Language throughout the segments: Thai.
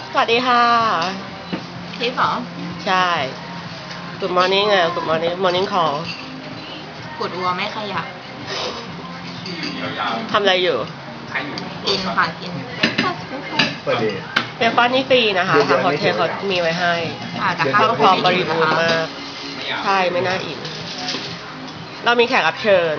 สวัสดีค่ะทิปเหรอใช่ Good morning อ่ะ Good morning call ขุดวัวไม่ขยับทำอะไรอยู่กินค่ะกินเปิดดีเบคอนนี่ฟรีนะคะ ทางโฮเทลเขามีไว้ให้แต่เคข้ารื่วองพร้อมบริบูรณ์มาก ใช่ไม่น่าอิ่ม เรามีแขกรับเชิญ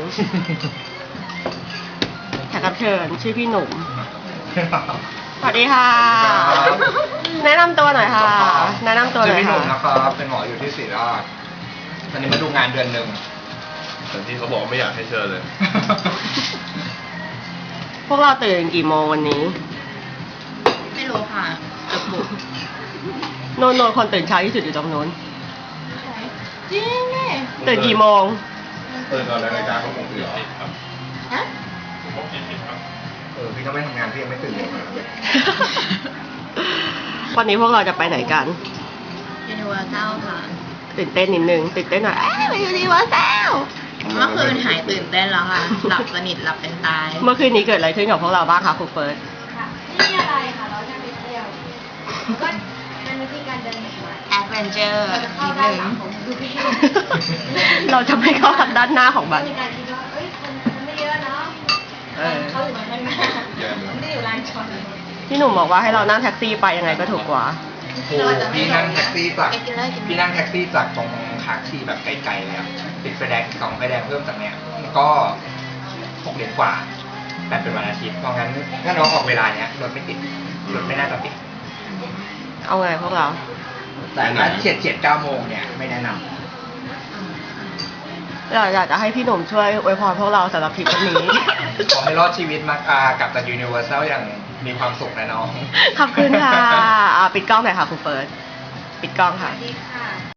แขกรับเชิญ ชื่อพี่หนุ่ม สวัสดีค่ะ แนะนำตัวหน่อยค่ะ แนะนำตัวหชื่น่ออยพี่หนุ่ค่ะมนะครับเป็นหมออยู่ที่ศรีราชตอนนี้มาดูงานเดือนหนึ่งแต่ที่เขาบอกไม่อยากให้เชิญเลยพวกเราตื่นกี่โมงวันนี้ไม่รู้ค่ะเกือบบุกโนนคนตื่นเช้าที่สุดอยู่ตรงนู้นจริงเนี่ยตื่นกี่โมงตื่นตอนรายการเขาคงตื่นครับฮะผมผิดครับพี่ต้องไม่ทำงานพี่ยังไม่ตื่นเลยวันนี้พวกเราจะไปไหนกันยูนิเวอร์แซลค่ะตื่นเต้นนิดนึง ตื่นเต้นหน่อยไปยูนิเวอร์แซลเมื่อคืนหายตื่นเต้นแล้วค่ะ หลับสนิทหลับเป็นตายเมื่อคืนนี้เกิดอะไรขึ้นกับพวกเราบ้างคะครูเฟิร์สค่ะไม่มีอะไรค่ะ เราแค่ไปเที่ยวแล้วก็เป็นวิธีการเดินแบบใหม่แอดเวนเจอร์เราจะเข้านิดด้านนึงหลังของดูพี่เราจะไม่เข้าทางด้านหน้าของบัตรมีการคิดว่าเอ้ยคนไม่เยอะเนาะเออเขาอยู่ด้านหน้าไม่ได้อยู่ลานจอดรถพี่หนุ่มบอกว่าให้เรานั่งแท็กซี่ไปยังไงก็ถูกกว่าโอ้พี่นั่งแท็กซี่จากกินเลยกินเลยพี่นั่งแท็กซี่จากตรงขาที่แบบไกลๆเลยอะติดไฟแดง2ไฟแดงเพิ่มจากเนี้ยก็6 เหรียญกว่าแต่เป็นวันอาทิตย์เพราะงั้นถ้าน้องออกเวลาเนี้ยรถไม่ติดรถไม่น่าจะติดเอาไงพวกเราแต่ถ้าเฉียด9 โมงเนี่ยไม่แนะนำเราอยากจะให้พี่หนุ่มช่วยอวยพรพวกเราสำหรับทริปวันนี้ขอให้รอดชีวิตมากลับจากยูนิเวอร์แซลอย่างมีความสุขนะน้องขอบคุณค่ะปิดกล้องหน่อยค่ะครูเฟิร์สปิดกล้องค่ะดีค่ะ